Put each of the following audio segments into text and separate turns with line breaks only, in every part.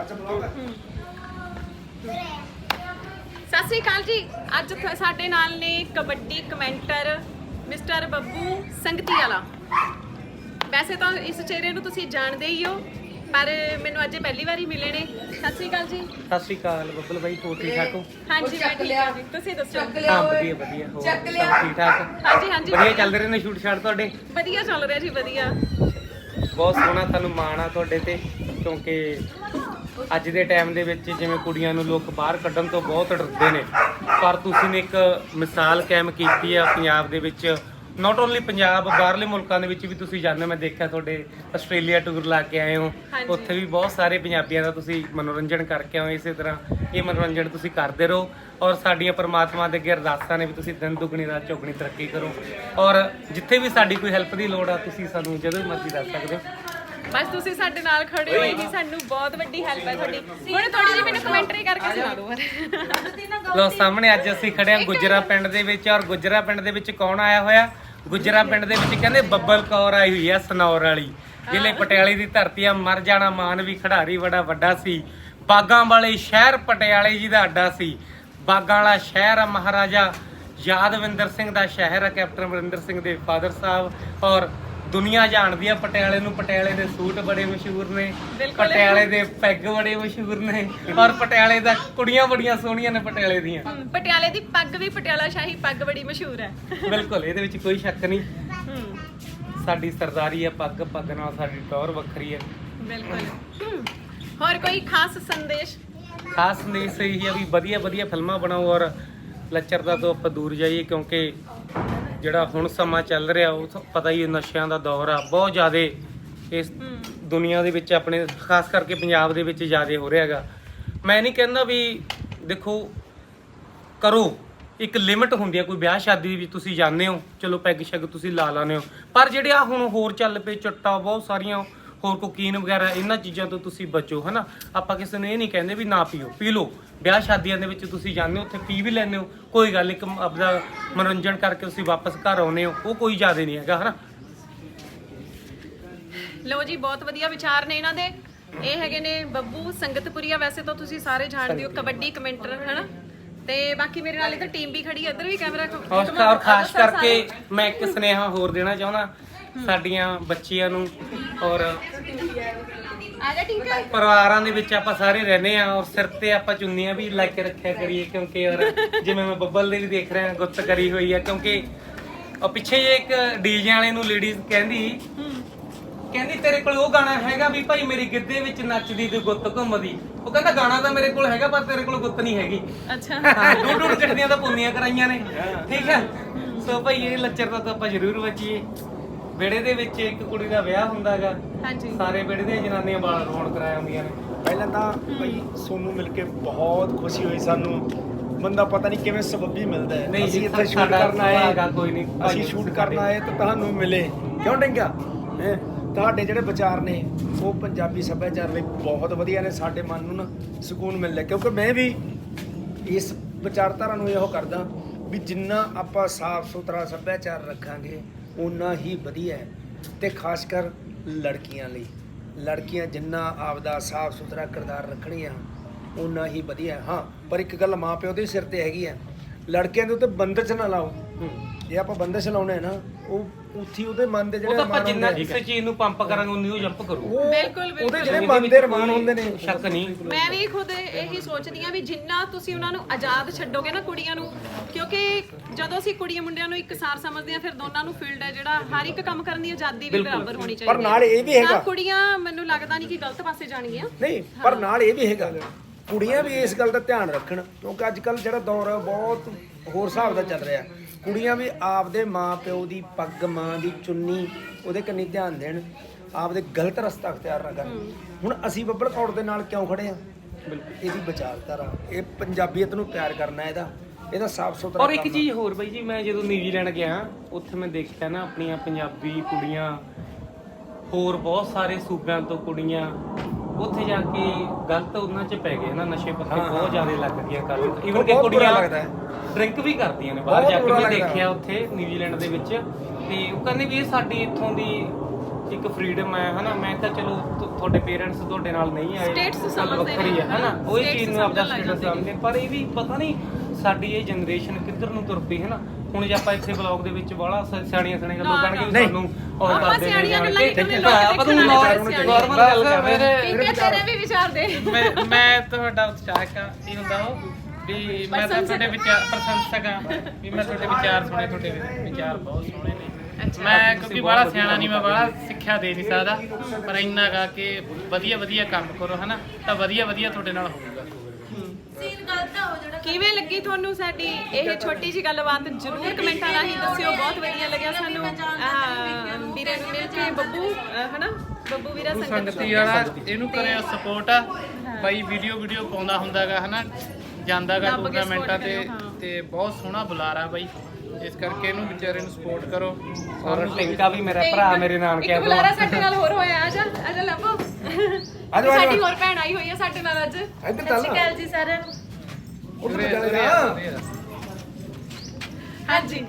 ਸਤਿ ਸ੍ਰੀ ਅਕਾਲ ਜੀ। ਅੱਜ ਸਾਡੇ ਨਾਲ ਨੇ kabaddi commentator mister Babbu Sangatiwala. ਵੈਸੇ ਤਾਂ ਇਸ ਚਿਹਰੇ ਨੂੰ ਤੁਸੀਂ ਜਾਣਦੇ ਹੀ ਹੋ, ਪਰ ਮੈਨੂੰ ਅੱਜ ਪਹਿਲੀ ਵਾਰੀ ਮਿਲੇ ਨੇ। ਸਤਿ ਸ੍ਰੀ ਅਕਾਲ ਜੀ।
ਸਤਿ ਸ਼੍ਰੀ ਅਕਾਲ ਬੱਬਲ ਬਾਈ, ਹੋਰ ਠੀਕ ਠਾਕ ਹੋ?
ਹਾਂਜੀ ਮੈਂ ਠੀਕ ਹਾਂ ਜੀ, ਤੁਸੀਂ ਦੱਸੋ?
ਹਾਂ ਵਧੀਆ ਵਧੀਆ, ਹੋਰ ਸਭ ਠੀਕ ਠਾਕ?
ਹਾਂਜੀ ਹਾਂਜੀ
ਵਧੀਆ ਚੱਲ ਰਹੇ ਨੇ ਸ਼ੂਟ ਸ਼ਾਟ ਤੁਹਾਡੇ?
ਵਧੀਆ ਚੱਲ ਰਿਹਾ ਜੀ, ਵਧੀਆ।
ਬਹੁਤ ਸੋਹਣਾ, ਤੁਹਾਨੂੰ ਮਾਣ ਆ ਤੁਹਾਡੇ ਤੇ, ਕਿਉਂਕਿ ਅੱਜ ਦੇ ਟਾਈਮ ਦੇ ਵਿੱਚ ਜਿਵੇਂ ਕੁੜੀਆਂ ਨੂੰ ਲੋਕ ਬਾਹਰ ਕੱਢਣ ਤੋਂ ਬਹੁਤ ਡਰਦੇ ਨੇ, ਪਰ ਤੁਸੀਂ ਨੇ ਇੱਕ ਮਿਸਾਲ ਕਾਇਮ ਕੀਤੀ ਆ ਪੰਜਾਬ ਦੇ ਵਿੱਚ। ਨਾਟ ਓਨਲੀ ਪੰਜਾਬ, ਬਾਹਰਲੇ ਮੁਲਕਾਂ ਦੇ ਵਿੱਚ ਵੀ ਤੁਸੀਂ ਜਾਂਦੇ ਹੋ। ਮੈਂ ਦੇਖਿਆ ਤੁਹਾਡੇ ਆਸਟ੍ਰੇਲੀਆ ਟੂਰ ਲਾ ਕੇ ਆਏ ਹੋ, ਉੱਥੇ ਵੀ ਬਹੁਤ ਸਾਰੇ ਪੰਜਾਬੀਆਂ ਦਾ ਤੁਸੀਂ ਮਨੋਰੰਜਨ ਕਰਕੇ ਆਏ। ਇਸੇ ਤਰ੍ਹਾਂ ਇਹ ਮਨੋਰੰਜਨ ਤੁਸੀਂ ਕਰਦੇ ਰਹੋ, ਔਰ ਸਾਡੀਆਂ ਪਰਮਾਤਮਾ ਦੇ ਅੱਗੇ ਅਰਦਾਸਾਂ ਨੇ ਵੀ ਤੁਸੀਂ ਦਿਨ ਦੁੱਗਣੀ ਰਾਤ ਚੌਗਣੀ ਤਰੱਕੀ ਕਰੋ। ਔਰ ਜਿੱਥੇ ਵੀ ਸਾਡੀ ਕੋਈ ਹੈਲਪ ਦੀ ਲੋੜ ਆ, ਤੁਸੀਂ ਸਾਨੂੰ ਜਦੋਂ ਵੀ ਮਰਜ਼ੀ ਦੱਸ ਸਕਦੇ ਹੋ।
ਬਸ ਤੁਸੀਂ ਸਾਡੇ ਨਾਲ ਖੜੇ ਹੋਏ ਹੀ ਸਾਨੂੰ ਬਹੁਤ ਵੱਡੀ ਹੈਲਪ ਹੈ ਤੁਹਾਡੀ। ਹੁਣ ਥੋੜੀ ਜਿਹੀ ਮੈਨੂੰ ਕਮੈਂਟਰੀ ਕਰਕੇ ਸੁਣਾ ਦਿਓ।
ਲੋ ਸਾਹਮਣੇ ਅੱਜ ਅਸੀਂ ਖੜੇ ਹਾਂ ਗੁਜਰਾ ਪਿੰਡ ਦੇ ਵਿੱਚ, ਔਰ ਗੁਜਰਾ ਪਿੰਡ ਦੇ ਵਿੱਚ ਕੌਣ ਆਇਆ ਹੋਇਆ? ਗੁਜਰਾ ਪਿੰਡ ਦੇ ਵਿੱਚ ਕਹਿੰਦੇ ਬੱਬਲ ਕੌਰ ਆਈ ਹੋਈ ਆ, ਸਨੌਰ ਵਾਲੀ, ਜ਼ਿਲ੍ਹੇ ਪਟਿਆਲੇ ਦੀ ਧਰਤੀ ਆ। ਮਰ ਜਾਣਾ ਮਾਨ ਵੀ ਖਿਡਾਰੀ ਬੜਾ ਵੱਡਾ ਸੀ, ਬਾਗਾਂ ਵਾਲੇ ਸ਼ਹਿਰ ਪਟਿਆਲੇ ਜੀ ਦਾ ਅੱਡਾ ਸੀ। ਬਾਗਾਂ ਵਾਲਾ ਸ਼ਹਿਰ ਆ ਮਹਾਰਾਜਾ ਯਾਦਵਿੰਦਰ ਸਿੰਘ ਦਾ ਸ਼ਹਿਰ ਆ, ਕੈਪਟਨ ਅਮਰਿੰਦਰ ਸਿੰਘ ਦੇ ਫਾਦਰ ਸਾਹਿਬ। ਔਰ ਦੁਨੀਆ ਜਾਣਦੀ ਆ ਪਟਿਆਲੇ ਨੂੰ, ਪਟਿਆਲੇ ਦੇ ਸੂਟ ਬੜੇ ਮਸ਼ਹੂਰ ਨੇ, ਪਟਿਆਲੇ ਦੇ ਪੈਗ ਬੜੇ ਮਸ਼ਹੂਰ ਨੇ, ਔਰ ਪਟਿਆਲੇ ਦਾ ਕੁੜੀਆਂ ਬੜੀਆਂ ਸੋਹਣੀਆਂ ਨੇ ਪਟਿਆਲੇ ਦੀਆਂ।
ਪਟਿਆਲੇ ਦੀ ਪੱਗ ਵੀ, ਪਟਿਆਲਾ ਸ਼ਾਹੀ ਪੱਗ ਬੜੀ ਮਸ਼ਹੂਰ ਹੈ।
ਬਿਲਕੁਲ, ਇਹਦੇ ਵਿੱਚ ਕੋਈ ਸ਼ੱਕ ਨਹੀਂ। ਸਾਡੀ ਸਰਦਾਰੀ ਆ ਪੱਗ, ਪੱਗ ਨਾਲ ਸਾਡੀ ਟੌਰ ਵੱਖਰੀ ਹੈ।
ਬਿਲਕੁਲ। ਹੋਰ ਕੋਈ ਖਾਸ ਸੰਦੇਸ਼?
ਖਾਸ ਸੰਦੇਸ਼ ਇਹ ਆ ਵੀ ਵਧੀਆ ਵਧੀਆ ਫਿਲਮਾਂ ਬਣਾਓ, ਔਰ ਲੱਚਰਤਾ ਤੋਂ ਆਪਾਂ ਦੂਰ ਜਾਈਏ, ਕਿਉਂਕਿ ਜਿਹੜਾ ਹੁਣ ਸਮਾਂ ਚੱਲ ਰਿਹਾ ਉਹ ਪਤਾ ਹੀ, ਨਸ਼ਿਆਂ ਦਾ ਦੌਰ ਆ ਬਹੁਤ ਜ਼ਿਆਦਾ ਇਸ ਦੁਨੀਆ ਦੇ ਵਿੱਚ, ਆਪਣੇ ਖਾਸ ਕਰਕੇ ਪੰਜਾਬ ਦੇ ਵਿੱਚ ਜ਼ਿਆਦਾ ਹੋ ਰਿਹਾ ਹੈਗਾ। ਮੈਂ ਨਹੀਂ ਕਹਿੰਦਾ ਵੀ ਦੇਖੋ ਕਰੋ, ਇੱਕ ਲਿਮਿਟ ਹੁੰਦੀ ਆ। ਕੋਈ ਵਿਆਹ ਸ਼ਾਦੀ ਵਿੱਚ ਤੁਸੀਂ ਜਾਂਦੇ ਹੋ, ਚਲੋ ਪੈਗ ਸ਼ੈਗ ਤੁਸੀਂ ਲਾ ਲਾਉਂਦੇ ਹੋ, ਪਰ ਜਿਹੜੇ ਆ ਹੁਣ ਹੋਰ ਚੱਲ ਪਏ ਚੱਟਾ ਬਹੁਤ ਸਾਰੀਆਂ, ਹੋਰ ਕੋਕੀਨ ਵਗੈਰਾ, ਇਹਨਾਂ ਚੀਜ਼ਾਂ ਤੋਂ ਤੁਸੀਂ ਬਚੋ, ਹਨਾ। ਆਪਾਂ ਕਿਸੇ ਨੂੰ ਇਹ ਨਹੀਂ ਕਹਿੰਦੇ ਵੀ ਨਾ ਪੀਓ, ਪੀ ਲਓ। ਵਿਆਹ ਸ਼ਾਦੀਆਂ ਦੇ ਵਿੱਚ ਤੁਸੀਂ ਜਾਂਦੇ ਹੋ, ਉੱਥੇ ਪੀ ਵੀ ਲੈਂਦੇ ਹੋ, ਕੋਈ ਗੱਲ, ਇੱਕ ਆਪਦਾ ਮਨੋਰੰਜਨ ਕਰਕੇ ਤੁਸੀਂ ਵਾਪਸ ਘਰ ਆਉਂਦੇ ਹੋ, ਉਹ ਕੋਈ ਜ਼ਿਆਦਾ ਨਹੀਂ ਹੈਗਾ, ਹਨਾ।
ਲਓ ਜੀ, ਬਹੁਤ ਵਧੀਆ ਵਿਚਾਰ ਨੇ ਇਹਨਾਂ ਦੇ। ਇਹ ਹੈਗੇ ਨੇ ਬੱਬੂ ਸੰਗਤਪੁਰੀਆ, ਵੈਸੇ ਤਾਂ ਤੁਸੀਂ ਸਾਰੇ ਜਾਣਦੇ ਹੋ, ਕਬੱਡੀ ਕਮੈਂਟਰ, ਹਨਾ। ਤੇ ਬਾਕੀ ਮੇਰੇ ਨਾਲ ਇੱਧਰ ਟੀਮ ਵੀ ਖੜੀ ਹੈ, ਇੱਧਰ ਵੀ ਕੈਮਰਾ।
ਔਰ ਖਾਸ ਕਰਕੇ ਮੈਂ ਇੱਕ ਸੁਨੇਹਾ ਹੋਰ ਦੇਣਾ ਚਾਹੁੰਦਾ ਸਾਡੀਆਂ ਬੱਚੀਆਂ ਨੂੰ, ਔਰ ਪਰਿਵਾਰਾਂ ਦੇ ਵਿੱਚ ਆਪਾਂ ਸਾਰੇ ਰਹਿੰਦੇ ਆ, ਔਰ ਸਿਰ ਤੇ ਆਪਾਂ ਚੁੰਨੀਆਂ ਵੀ ਲਾ ਕੇ ਰੱਖਿਆ ਕਰੀਏ, ਕਿਉਂਕਿ ਔਰ ਜਿਵੇਂ ਮੈਂ ਬੱਬਲ ਦੇ ਵੀ ਦੇਖ ਰਿਹਾ ਗੁੱਤ ਕਰੀ ਹੋਈ ਆ, ਕਿਉਂਕਿ ਉਹ ਪਿੱਛੇ ਜੇ ਇੱਕ ਡੀਜੇ ਵਾਲੇ ਨੂੰ ਲੇਡੀਜ਼ ਕਹਿੰਦੀ ਤੇਰੇ ਕੋਲ ਉਹ ਗਾਣਾ ਹੈਗਾ ਵੀ ਭਾਈ ਮੇਰੀ ਗਿੱਧੇ ਵਿੱਚ ਨੱਚਦੀ ਤੇ ਗੁੱਤ ਘੁੰਮਦੀ? ਉਹ ਕਹਿੰਦਾ ਗਾਣਾ ਤਾਂ ਮੇਰੇ ਕੋਲ ਹੈਗਾ, ਪਰ ਤੇਰੇ ਕੋਲ ਗੁੱਤ ਨਹੀਂ ਹੈਗੀ। ਅੱਛਾ, ਹਾਂ, ਡੂਡ ਕੱਢਦੀਆਂ ਤਾਂ ਪੁੰਨੀਆਂ ਕਰਾਈਆਂ ਨੇ, ਠੀਕ ਹੈ। ਸੋ ਭਾਈ ਇਹ ਲੱਚਰਤਾ ਤਾਂ ਆਪਾਂ ਜ਼ਰੂਰ ਬਚੀਏ। ਵਿਹੜੇ ਦੇ ਵਿੱਚ ਇੱਕ ਕੁੜੀ ਦਾ ਵਿਆਹ ਹੁੰਦਾ ਹੈਗਾ, ਸਾਰੇ ਵਿਹੜੇ ਦੀਆਂ ਜਨਾਨੀਆਂ ਵਾਲ ਰੋਣ ਕਰਾਇਆ ਹੁੰਦੀਆਂ ਨੇ।
ਪਹਿਲਾਂ ਤਾਂ ਭਾਈ ਸੋਨੂੰ ਮਿਲ ਕੇ ਬਹੁਤ ਖੁਸ਼ੀ ਹੋਈ ਸਾਨੂੰ। ਬੰਦਾ ਪਤਾ ਨਹੀਂ ਕਿਵੇਂ ਸਬੱਬੀ ਮਿਲਦਾ ਹੈ।
ਨਹੀਂ,
ਅਸੀਂ ਇੱਥੇ ਸ਼ੂਟ ਕਰਨ ਆਏ
ਹੈਗਾ, ਕੋਈ ਨਹੀਂ,
ਅਸੀਂ ਸ਼ੂਟ ਕਰਨ ਆਏ ਤਾਂ ਤੁਹਾਨੂੰ ਮਿਲੇ, ਕਿਉਂ ਡੰਗਾ? ਤੁਹਾਡੇ ਜਿਹੜੇ ਵਿਚਾਰ ਨੇ ਉਹ ਪੰਜਾਬੀ ਸੱਭਿਆਚਾਰ ਲਈ ਬਹੁਤ ਵਧੀਆ ਨੇ। ਸਾਡੇ ਮਨ ਨੂੰ ਨਾ ਸਕੂਨ ਮਿਲਦਾ, ਕਿਉਂਕਿ ਮੈਂ ਵੀ ਇਸ ਵਿਚਾਰਧਾਰਾ ਨੂੰ ਇਹੋ ਕਰਦਾ ਵੀ ਜਿੰਨਾ ਆਪਾਂ ਸਾਫ਼ ਸੁਥਰਾ ਸੱਭਿਆਚਾਰ ਰੱਖਾਂਗੇ ਓਨਾ ਹੀ ਵਧੀਆ ਹੈ। ਤੇ ਖਾਸ ਕਰ ਲੜਕੀਆਂ ਲਈ, ਲੜਕੀਆਂ ਜਿੰਨਾ ਆਪਦਾ ਸਾਫ਼ ਸੁਥਰਾ ਕਿਰਦਾਰ ਰੱਖਣੀਆਂ ਓਨਾ ਹੀ ਵਧੀਆ। ਹਾਂ, ਪਰ ਇੱਕ ਗੱਲ ਮਾਂ ਪਿਓ ਦੇ ਸਿਰ ਤੇ ਹੈਗੀ ਆ, ਲੜਕਿਆਂ ਦੇ ਉੱਤੇ ਬੰਦਸ਼ ਨਾ ਲਾਓ। ਜੇ ਆਪਾਂ ਬੰਦਸ਼ ਲਾਉਣੇ ਆ ਨਾ, ਉਹ ਉੱਥੀ ਉਹਦੇ ਮਨ ਦੇ ਜਿਹੜੇ
ਆਪਾਂ ਜਿੰਨਾ ਕਿਸੇ ਚੀਜ਼ ਨੂੰ ਪੰਪ ਕਰਾਂਗੇ ਉਨੀ ਉਹ ਜੰਪ ਕਰੂ।
ਬਿਲਕੁਲ
ਉਹਦੇ ਜਿਹੜੇ ਮਨ ਦੇ ਰਮਾਨ ਹੁੰਦੇ ਨੇ,
ਸ਼ੱਕ ਨਹੀਂ।
ਮੈਂ ਵੀ ਖੁਦ ਇਹੀ ਸੋਚਦੀ ਆ ਵੀ ਜਿੰਨਾ ਤੁਸੀਂ ਉਹਨਾਂ ਨੂੰ ਆਜ਼ਾਦ ਛੱਡੋਗੇ ਨਾ, ਕੁੜੀਆਂ ਨੂੰ, ਕਿਉਂਕਿ ਜਦੋਂ ਅਸੀਂ ਕੁੜੀਆਂ ਮੁੰਡਿਆਂ ਨੂੰ ਇੱਕਸਾਰ ਸਮਝਦੇ ਆ, ਫਿਰ ਦੋਨਾਂ ਨੂੰ ਫੀਲਡ ਹੈ ਜਿਹੜਾ ਹਰ ਇੱਕ ਕੰਮ ਕਰਨ ਦੀ ਆਜ਼ਾਦੀ ਵੀ ਬਰਾਬਰ ਹੋਣੀ ਚਾਹੀਦੀ ਹੈ।
ਪਰ ਨਾਲ ਇਹ ਵੀ ਹੈਗਾ,
ਕੁੜੀਆਂ ਮੈਨੂੰ ਲੱਗਦਾ ਨਹੀਂ ਕਿ ਗਲਤ ਪਾਸੇ ਜਾਣਗੀਆਂ।
ਨਹੀਂ, ਪਰ ਨਾਲ ਇਹ ਵੀ ਹੈਗਾ, ਕੁੜੀਆਂ ਵੀ ਇਸ ਗੱਲ ਦਾ ਧਿਆਨ ਰੱਖਣ, ਕਿਉਂਕਿ ਅੱਜ ਕੱਲ੍ਹ ਜਿਹੜਾ ਦੌਰ ਹੈ ਬਹੁਤ ਹੋਰ ਹਿਸਾਬ ਦਾ ਚੱਲ ਰਿਹਾ। ਕੁੜੀਆਂ ਵੀ ਆਪਦੇ ਮਾਂ ਪਿਓ ਦੀ ਪੱਗ, ਮਾਂ ਦੀ ਚੁੰਨੀ, ਉਹਦੇ ਕੰਨੀ ਧਿਆਨ ਦੇਣ, ਆਪਦੇ ਗਲਤ ਰਸਤਾ ਅਖਤਿਆਰ ਨਾ ਕਰਨ। ਹੁਣ ਅਸੀਂ ਬੱਬਲ ਕੌਰ ਦੇ ਨਾਲ ਕਿਉਂ ਖੜੇ ਆ? ਇਹਦੀ ਵਿਚਾਰਧਾਰਾ, ਇਹ ਪੰਜਾਬੀਅਤ ਨੂੰ ਪਿਆਰ ਕਰਨਾ, ਇਹਦਾ ਸਾਫ਼ ਸੁਥਰਾ।
ਔਰ ਇੱਕ ਚੀਜ਼ ਹੋਰ ਬਾਈ ਜੀ, ਮੈਂ ਜਦੋਂ ਨਿਊਜ਼ੀਲੈਂਡ ਗਿਆ ਉੱਥੇ ਮੈਂ ਦੇਖਿਆ ਨਾ ਆਪਣੀਆਂ ਪੰਜਾਬੀ ਕੁੜੀਆਂ, ਹੋਰ ਬਹੁਤ ਸਾਰੇ ਸੂਬਿਆਂ ਤੋਂ ਕੁੜੀਆਂ ਉੱਥੇ ਜਾ ਕੇ ਗਲਤ ਉਹਨਾਂ 'ਚ ਪੈ ਗਏ ਨਾ, ਨਸ਼ੇ ਪੱਤੇ ਬਹੁਤ ਜ਼ਿਆਦਾ ਲੱਗ ਗਈਆਂ ਕਰਨ। ਈਵਨ ਕਿ ਕੁੜੀਆਂ ਡਰਿੰਕ ਵੀ ਕਰਦੀਆਂ ਨੇ ਬਾਹਰ ਜਾ ਕੇ, ਮੈਂ ਦੇਖਿਆ ਉੱਥੇ ਨਿਊਜ਼ੀਲੈਂਡ ਦੇ ਵਿੱਚ। ਤੇ ਉਹ ਕਹਿੰਦੇ ਵੀ ਇਹ ਸਾਡੀ ਇੱਥੋਂ ਦੀ ਇੱਕ ਫਰੀडम ਹੈ ਹਨਾ। ਮੈਂ ਤਾਂ ਚਲੋ ਤੁਹਾਡੇ ਪੇਰੈਂਟਸ ਤੁਹਾਡੇ ਨਾਲ ਨਹੀਂ ਆਏ,
Status
ਗੱਲ
ਸਮਝਦੇ
ਵੱਖਰੀ
ਨੇ।
ਹੈ ਹਨਾ, ਉਹੀ
Status
ਚੀਜ਼ ਨੂੰ ਆਪਦਾ
ਸਮਝਣ ਲੱਗ
ਸਟੇਟਸ
ਜਾਂਦੇ
ਸਮਝਦੇ। ਪਰ ਇਹ ਵੀ ਪਤਾ ਨਹੀਂ ਸਾਡੀ ਇਹ ਜਨਰੇਸ਼ਨ ਕਿੱਧਰ ਨੂੰ ਤੁਰ ਪਈ ਹੈ ਨਾ। ਹੁਣ ਜੇ ਆਪਾਂ ਇੱਥੇ ਬਲੌਗ ਦੇ ਵਿੱਚ ਬਾਹਲਾ ਸਿਆਣੀਆਂ ਗੱਲਾਂ ਕਰਨਗੇ ਵੀ
ਨਹੀਂ।
ਸਾਨੂੰ ਔਰ
ਆਪਾਂ
ਕਰਦੇ ਨੇ
ਸਿਆਣੀਆਂ
ਜਾਣ
ਗੱਲਾਂ
ਕੇ
ਹੀ ਕਰਨੇ, ਲੋਕ
ਆਪਾਂ ਨੂੰ
ਦੇਖਣ ਵਾਲੇ
ਨਾਰਮਲ ਗੱਲ ਕਰ ਰਹੇ ਹਾਂ।
ਠੀਕ ਹੈ, ਤੇਰੇ ਵੀ ਵਿਚਾਰ ਦੇ।
ਮੈਂ ਤੁਹਾਡਾ ਉਤਸ਼ਾਹਕ ਆ ਇਹ ਹੁੰਦਾ ਉਹ ਵੀ ਮੈਂ ਤਾਂ ਤੁਹਾਡੇ ਵਿਚਾਰ ਪ੍ਰਸ਼ੰਸਕ ਆ ਵੀ ਮੈਂ ਤੁਹਾਡੇ ਵਿਚਾਰ ਸੁਣੇ, ਤੁਹਾਡੇ ਵਿਚਾਰ ਬਹੁਤ ਸੋਹਣੇ ਨੇ। ਮੈਂ ਕਿਉਂਕਿ ਬੜਾ ਸਿਆਣਾ ਨਹੀਂ, ਮੈਂ ਬੜਾ ਸਿੱਖਿਆ ਦੇ ਨਹੀਂ ਸਕਦਾ, ਪਰ ਇੰਨਾ ਗਾ ਕਿ ਵਧੀਆ ਕੰਮ ਕਰੋ ਹਨਾ, ਤਾਂ ਵਧੀਆ ਤੁਹਾਡੇ ਨਾਲ ਹੋਊਗਾ।
ਕਿਵੇਂ ਲੱਗੀ ਤੁਹਾਨੂੰ ਸਾਡੀ ਇਹ ਛੋਟੀ ਜੀ ਗੱਲਬਾਤ? ਜਰੂਰ ਕਮੈਂਟਾਂ ਰਾਹੀਂ ਦੱਸਿਓ। ਬਹੁਤ ਵਧੀਆ ਲੱਗਿਆ ਸਾਨੂੰ ਵੀਰੇ ਨੂੰ ਮਿਲ ਕੇ। ਬੱਬੂ ਹਨਾ, ਬੱਬੂ ਵੀਰਾ
ਸੰਗਤੀ ਵਾਲਾ ਇਹਨੂੰ ਕਰਿਆ ਸਪੋਰਟ ਆ ਬਾਈ, ਵੀਡੀਓ ਪਾਉਂਦਾ ਹੁੰਦਾਗਾ ਹਨਾ, ਜਾਂਦਾਗਾ
ਦੱਬ ਕੇ
ਟੂਰਨਾਮੈਂਟਾਂ
support ਕਰਿਓ, ਹਾਂ।
ਤੇ ਬਹੁਤ ਸੋਹਣਾ ਬੁਲਾਰਾ ਬਾਈ, ਇਸ ਕਰਕੇ ਇਹਨੂੰ ਵਿਚਾਰੇ ਨੂੰ ਸਪੋਰਟ ਕਰੋ।
ਔਰ ਟਿੰਕਾ ਵੀ ਮੇਰਾ ਭਰਾ ਮੇਰੇ ਨਾਨਕੇ
ਇੱਕ ਬੁਲਾਰਾ ਸਾਡੇ ਨਾਲ ਹੋਰ ਹੋਇਆ। ਆਜਾ ਲੱਭੋ।
ਆਜੋ,
ਸਾਡੀ
ਆਜੋ।
ਹੋਰ ਭੈਣ ਆਈ ਹੋਈ ਹੈ ਸਾਡੇ ਨਾਲ ਅੱਜ।
ਇੱਧਰ ਚੱਲ
ਜੀ ਸਾਰਿਆਂ ਨੂੰ।
ਉੱਧਰ ਚੱਲ ਜਾ।
ਹਾਂਜੀ,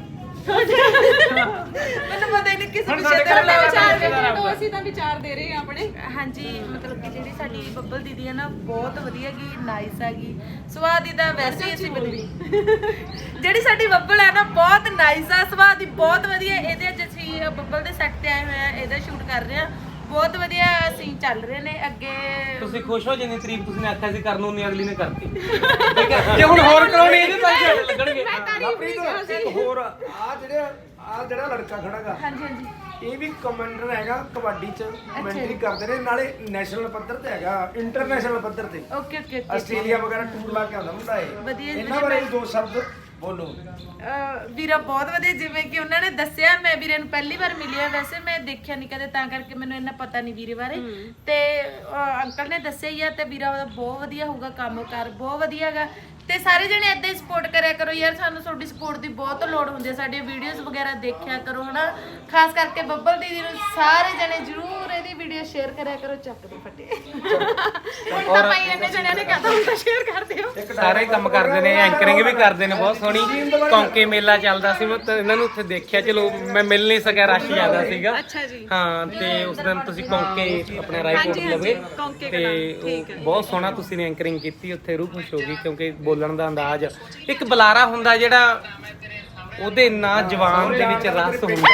ਮੈਨੂੰ ਪਤਾ ਹੀ ਨਹੀਂ ਕਿਸ ਵਿਸ਼ੇ ਤੇ
ਵਿਚਾਰ
ਬੁਲਾਇਆ
ਦੇ ਦਿਓ, ਅਸੀਂ ਤਾਂ ਵਿਚਾਰ ਦੇ ਰਹੇ ਹਾਂ ਆਪਣੇ।
ਹਾਂਜੀ, ਮਤਲਬ ਕਿ ਜਿਹੜੀ ਸਾਡੀ ਬੱਬਲ ਦੀਦੀ ਹੈ ਨਾ, ਬਹੁਤ ਵਧੀਆ ਗੀ, ਨਾਈਸ ਹੈਗੀ, ਸੁਭਾਅ ਦੀ ਤਾਂ ਵੈਸੇ ਹੀ ਅਸੀਂ ਜਿਹੜੀ ਸਾਡੀ ਬੱਬਲ ਹੈ ਨਾ, ਬਹੁਤ ਨਾਈਸ ਆ, ਸੁਭਾਅ ਦੀ ਬਹੁਤ ਵਧੀਆ। ਇਹਦੇ ਅੱਜ ਅਸੀਂ ਬੱਬਲ ਦੇ ਸੈੱਟ ਤੇ ਆਏ ਹੋਏ ਆ, ਇਹਦਾ ਸ਼ੂਟ ਕਰ ਰਹੇ ਆ। ਬਹੁਤ ਵਧੀਆ ਸੀਨ ਚੱਲ ਰਹੇ ਨੇ ਅੱਗੇ।
ਤੁਸੀਂ ਖੁਸ਼ ਹੋ ਜਿੰਨੀ ਤਾਰੀਫ ਤੁਸੀਂ ਨੇ ਆਖਿਆ ਸੀ ਕਰਨ ਨੂੰ, ਅਗਲੀ ਨੇ ਕਰਤੀ। ਠੀਕ ਹੈ, ਜੇ ਹੁਣ ਹੋਰ ਕਰਾਉਣੀ ਇਹਦੇ ਤਾਂ ਝੱਟ ਲੱਗਣਗੇ।
ਹੋਰ ਆ ਜਿਹੜਾ ਲੜਕਾ ਖੜਾਗਾ,
ਹਾਂਜੀ
ਇਹ ਵੀ ਕਮਾਂਡਰ ਹੈਗਾ ਕਬੱਡੀ ਚ, ਕਮੈਂਟਰੀ ਕਰਦੇ ਨੇ, ਨਾਲੇ ਨੈਸ਼ਨਲ ਪੱਧਰ ਤੇ ਹੈਗਾ, ਇੰਟਰਨੈਸ਼ਨਲ ਪੱਧਰ ਤੇ
ਓਕੇ
ਆਸਟ੍ਰੇਲੀਆ ਵਗੈਰਾ ਟੂਰ ਲਾ ਕੇ ਆਉਂਦਾ ਮੁੰਡਾ
ਵਧੀਆ
ਇਹ।
ਜੀ,
ਇਹਨਾਂ ਬਾਰੇ ਵੀ ਦੋ ਸ਼ਬਦ ਬੋਲੋ।
ਵੀਰਾ ਬਹੁਤ ਵਧੀਆ, ਜਿਵੇਂ ਕਿ ਉਹਨਾਂ ਨੇ ਦੱਸਿਆ। ਮੈਂ ਵੀਰੇ ਨੂੰ ਪਹਿਲੀ ਵਾਰ ਮਿਲੀ ਆ, ਵੈਸੇ ਮੈਂ ਦੇਖਿਆ ਨਹੀਂ ਕਦੇ, ਤਾਂ ਕਰਕੇ ਮੈਨੂੰ ਇੰਨਾ ਪਤਾ ਨਹੀਂ ਵੀਰੇ ਬਾਰੇ। ਤੇ ਅੰਕਲ ਨੇ ਦੱਸਿਆ ਹੀ ਆ, ਤੇ ਵੀਰਾ ਉਹਦਾ ਬਹੁਤ ਵਧੀਆ ਹੋਊਗਾ, ਕੰਮ ਕਾਰ ਬਹੁਤ ਵਧੀਆ ਹੈਗਾ। ਤੇ ਸਾਰੇ ਜਣੇ ਏਦਾਂ ਹੀ ਸਪੋਰਟ ਕਰਿਆ ਕਰੋ ਯਾਰ, ਸਾਨੂੰ ਤੁਹਾਡੀ ਸਪੋਰਟ ਦੀ ਬਹੁਤ ਲੋੜ ਹੁੰਦੀ ਹੈ। ਸਾਡੀਆਂ ਵੀਡੀਓਜ਼ ਵਗੈਰਾ ਦੇਖਿਆ ਕਰੋ ਹਨਾ, ਖਾਸ ਕਰਕੇ ਬੱਬਲ ਦੀਦੀ ਨੂੰ ਸਾਰੇ ਜਣੇ ਜ਼ਰੂਰ ਇਹਦੀ ਵੀਡੀਓ ਸ਼ੇਅਰ ਕਰਿਆ ਕਰੋ। ਚੱਕ ਦੇ ਫੱਟੇ
ਹੁਣ ਤਾਂ ਭਾਈ ਇੰਨੇ ਜਣਿਆਂ ਨੇ ਕਹਤਾ, ਹੁਣ ਤਾਂ ਸ਼ੇਅਰ ਕਰ ਦਿਓ।
ਸਾਰੇ ਕੰਮ ਕਰਦੇ ਨੇ, ਐਂਕਰਿੰਗ ਵੀ ਕਰਦੇ ਨੇ ਬਹੁਤ ਸੋਹਣੀ। ਕੌਂਕੇ ਮੇਲਾ ਚੱਲਦਾ ਸੀ, ਮੈਂ ਤਾਂ ਇਹਨਾਂ ਨੂੰ ਉੱਥੇ ਦੇਖਿਆ। ਚਲੋ ਮੈਂ ਮਿਲ ਨਹੀਂ ਸਕਿਆ, ਰਸ਼ ਜ਼ਿਆਦਾ ਸੀਗਾ।
ਅੱਛਾ ਜੀ।
ਹਾਂ, ਤੇ ਉਸ ਦਿਨ ਤੁਸੀਂ ਕੌਂਕੇ ਆਪਣੇ ਰਾਏਕੋਟ ਲਵੇ
ਕੌਂਕੇ
ਤੇ
ਠੀਕ ਹੈ।
ਉਹ ਬਹੁਤ ਸੋਹਣਾ ਤੁਸੀਂ ਨੇ ਐਂਕਰਿੰਗ ਕੀਤੀ ਉੱਥੇ, ਰੂਹ ਖੁਸ਼ ਹੋ ਗਈ। ਕਿਉਂਕਿ ਬੋਲਣ ਦਾ ਅੰਦਾਜ਼, ਇੱਕ ਬੁਲਾਰਾ ਹੁੰਦਾ ਜਿਹੜਾ ਉਹਦੇ ਨਾਂ ਜਵਾਨ ਦੇ ਵਿੱਚ ਰਸ ਹੁੰਦਾ।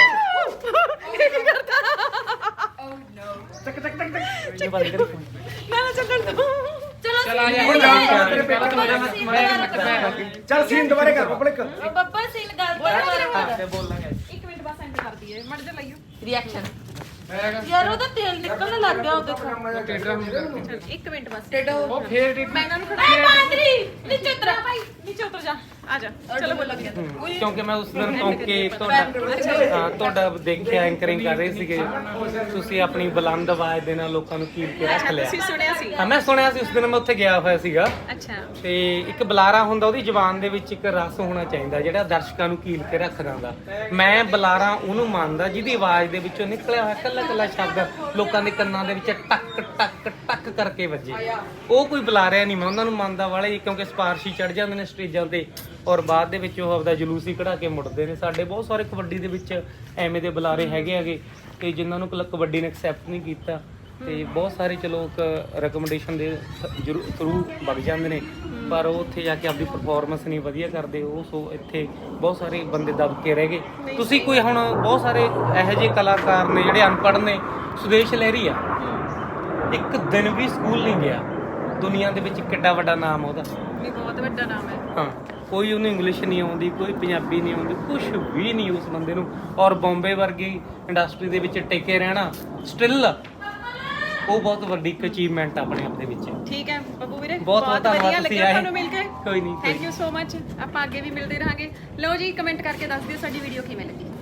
ਇਹ ਬੰਦ ਕਰੀ phone।
ਨਾ ਚੱਲਣ ਦੋ।
ਚਲ ਆ
ਹੁਣ ਜਾ ਤੇਰੇ ਪੇਪਰ ਚੱਲ ਸੀਨ ਦੁਬਾਰੇ ਕਰ ਪਬਲਿਕ।
ਬੱਬਲ ਸੀਨ ਗੱਲ ਤੋਂ
ਤੇ ਬੋਲਾਂਗੇ।
ਇੱਕ ਮਿੰਟ ਬਾਅਦ ਸੈਂਡ ਕਰ ਦਈਏ, ਮੜ ਜਾ ਲਈਓ।
ਰਿਐਕਸ਼ਨ ਯਾਰ, ਉਹਦਾ ਤੇਲ ਨਿਕਲਣ ਲੱਗ ਗਿਆ, ਉਹ ਦੇਖੋ।
ਇੱਕ ਮਿੰਟ ਬਸ।
ਉਹ ਫੇਰ
ਮੈਂ ਇਹਨਾਂ ਨੂੰ ਖੜਾ ਨੀਚੇ ਉਤਰ ਭਾਈ, ਨੀਚੇ ਉਤਰ ਜਾ। ਆ ਜਾ, ਚਲੋ ਬੋਲਾਂਗੇ।
ਕਿਉਂਕਿ ਮੈਂ ਉਸ ਦਿਨ ਕੌਂਕੇ ਤੁਹਾਡਾ ਦੇਖਿਆ ਐਂਕਰਿੰਗ ਕਰ ਰਹੇ ਸੀਗੇ ਤੁਸੀਂ, ਆਪਣੀ ਬੁਲੰਦ ਆਵਾਜ਼ ਦੇ ਨਾਲ ਲੋਕਾਂ ਨੂੰ ਕੀਲ ਕੇ ਰੱਖ ਲਿਆ।
ਤੁਸੀਂ ਸੁਣਿਆ ਸੀ?
ਹਾਂ, ਮੈਂ ਸੁਣਿਆ ਸੀ। ਉਸ ਦਿਨ ਮੈਂ ਉੱਥੇ ਗਿਆ ਹੋਇਆ ਸੀਗਾ।
ਅੱਛਾ।
ਤੇ ਇੱਕ ਬੁਲਾਰਾ ਹੁੰਦਾ, ਉਹਦੀ ਜ਼ੁਬਾਨ ਦੇ ਵਿੱਚ ਇੱਕ ਰਸ ਹੋਣਾ ਚਾਹੀਦਾ ਜਿਹੜਾ ਦਰਸ਼ਕਾਂ ਨੂੰ ਕੀਲ ਕੇ ਰੱਖ ਦਿੰਦਾ। ਮੈਂ ਬੁਲਾਰਾ ਉਹਨੂੰ ਮੰਨਦਾ ਜਿਹਦੀ ਆਵਾਜ਼ ਦੇ ਵਿੱਚੋਂ ਨਿਕਲਿਆ ਹੋਇਆ ਕੱਲਾ ਸ਼ਬਦ ਲੋਕਾਂ ਦੇ ਕੰਨਾਂ ਦੇ ਵਿੱਚ ਟੱਕ ਟੱਕ ਟੱਕ ਕਰਕੇ ਵੱਜੇ। ਉਹ ਕੋਈ ਬੁਲਾਰਿਆ ਨਹੀਂ, ਮੈਂ ਉਹਨਾਂ ਨੂੰ ਮੰਨਦਾ ਵਾਲੇ, ਕਿਉਂਕਿ ਸਪਾਰਸ਼ੀ ਚੜ ਜਾਂਦੇ ਨੇ ਸਟੇਜਾਂ ਤੇ, ਔਰ ਬਾਅਦ ਦੇ ਵਿੱਚ ਉਹ ਆਪਦਾ ਜਲੂਸ ਹੀ ਕਢਾ ਕੇ ਮੁੜਦੇ ਨੇ। ਸਾਡੇ ਬਹੁਤ ਸਾਰੇ ਕਬੱਡੀ ਦੇ ਵਿੱਚ ਐਵੇਂ ਦੇ ਬੁਲਾਰੇ ਹੈਗੇ ਤੇ ਜਿਨ੍ਹਾਂ ਨੂੰ ਕਬੱਡੀ ਨੇ ਐਕਸੈਪਟ ਨਹੀਂ ਕੀਤਾ, ਤੇ ਬਹੁਤ ਸਾਰੇ ਚਲੋ ਇੱਕ ਰეკਮੈਂਡੇਸ਼ਨ ਦੇ ਥਰੂ ਵਗ ਜਾਂਦੇ ਨੇ, ਪਰ ਉਹ ਉੱਥੇ ਜਾ ਕੇ ਆਪਦੀ ਪਰਫਾਰਮੈਂਸ ਨਹੀਂ ਵਧੀਆ ਕਰਦੇ। ਉਹ ਸੋ ਇੱਥੇ ਬਹੁਤ ਸਾਰੇ ਬੰਦੇ ਦਬ ਕੇ ਰਹਿ ਗਏ। ਤੁਸੀਂ ਕੋਈ ਹੁਣ ਬਹੁਤ ਸਾਰੇ ਇਹੋ ਜਿਹੇ ਕਲਾਕਾਰ ਨੇ ਜਿਹੜੇ ਅਨਪੜ੍ਹ ਨੇ। ਸੁਦੇਸ਼ ਲਹਿਰੀ ਆ, ਇੱਕ ਦਿਨ ਵੀ ਸਕੂਲ ਨਹੀਂ ਗਿਆ, ਦੁਨੀਆ ਦੇ ਵਿੱਚ ਕਿੱਡਾ ਵੱਡਾ ਨਾਮ ਉਹਦਾ।
ਵੀ ਬਹੁਤ ਵੱਡਾ ਨਾਮ ਹੈ।
ਹਾਂ, ਕੋਈ ਉਹਨੂੰ ਇੰਗਲਿਸ਼ ਨਹੀਂ ਆਉਂਦੀ, ਕੋਈ ਪੰਜਾਬੀ ਨਹੀਂ ਆਉਂਦੀ, ਕੁਝ ਵੀ ਨਹੀਂ ਉਸ ਬੰਦੇ ਨੂੰ। ਔਰ ਬੰਬੇ ਵਰਗੀ ਇੰਡਸਟਰੀ ਦੇ ਵਿੱਚ ਟਿਕੇ ਰਹਿਣਾ ਸਟਿਲ ਉਹ ਬਹੁਤ ਵੱਡੀ ਇੱਕ ਅਚੀਵਮੈਂਟ ਆਪਣੇ ਆਪ ਦੇ ਵਿੱਚ।
ਠੀਕ ਹੈ ਬੱਬੂ ਵੀਰੇ,
ਬਹੁਤ
ਵਧੀਆ
ਧੰਨਵਾਦ, ਤੁਸੀਂ
ਲੱਗਿਆ
ਆਏ।
ਤੁਹਾਨੂੰ ਮਿਲ ਕੇ।
ਕੋਈ ਨਹੀਂ,
ਥੈਂਕ ਯੂ ਸੋ ਮਚ। ਆਪਾਂ ਅੱਗੇ ਵੀ ਮਿਲਦੇ ਰਹਾਂਗੇ। ਲਓ ਜੀ, ਕਮੈਂਟ ਕਰਕੇ ਦੱਸ ਦਿਓ ਸਾਡੀ ਵੀਡੀਓ ਕਿਵੇਂ ਲੱਗੀ।